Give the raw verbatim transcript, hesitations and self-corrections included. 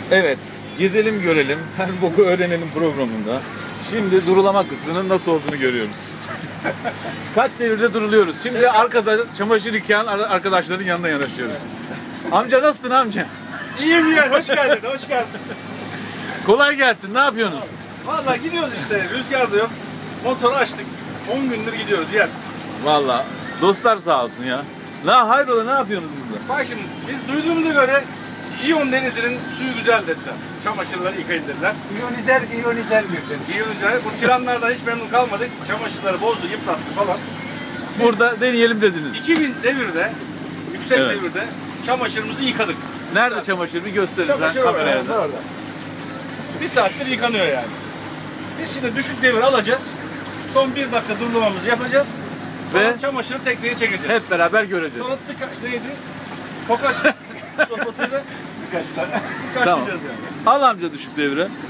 Evet, gezelim görelim, her boku öğrenelim programında. Şimdi durulama kısmının nasıl olduğunu görüyoruz. Kaç devirde duruluyoruz. Şimdi arkada çamaşır yıkayan arkadaşların yanına yanaşıyoruz. Amca nasılsın amca? İyiyim ya, hoş geldin, hoş geldin. Kolay gelsin, ne yapıyorsunuz? Vallahi gidiyoruz işte, rüzgar da yok. Motoru açtık, on gündür gidiyoruz yer. Vallahi dostlar sağ olsun ya. La hayrola, ne yapıyorsunuz burada? Bak şimdi, biz duyduğumuza göre İyon Denizi'nin suyu güzel dediler. Çamaşırları yıkayın dediler. İyonizer, iyonizer bir deniz. İyonizer, bu tiranlardan hiç memnun kalmadık. Çamaşırları bozdu, yıprattı falan. Burada deneyelim dediniz. iki bin devirde, yüksek Evet. devirde çamaşırımızı yıkadık. Nerede saat. çamaşır? Bir gösterirsen Çamaşır kameraya orada, da. orada. Bir saattir yıkanıyor yani. Biz şimdi düşük devir alacağız. Son bir dakika durulamamızı yapacağız. Ve Sonra çamaşırı tekneye çekeceğiz. hep beraber göreceğiz. Sonra tıkaç neydi? Tokaç sopasıyla Birkaç tane. tıkaçlayacağız yani. Al amca düşük devre.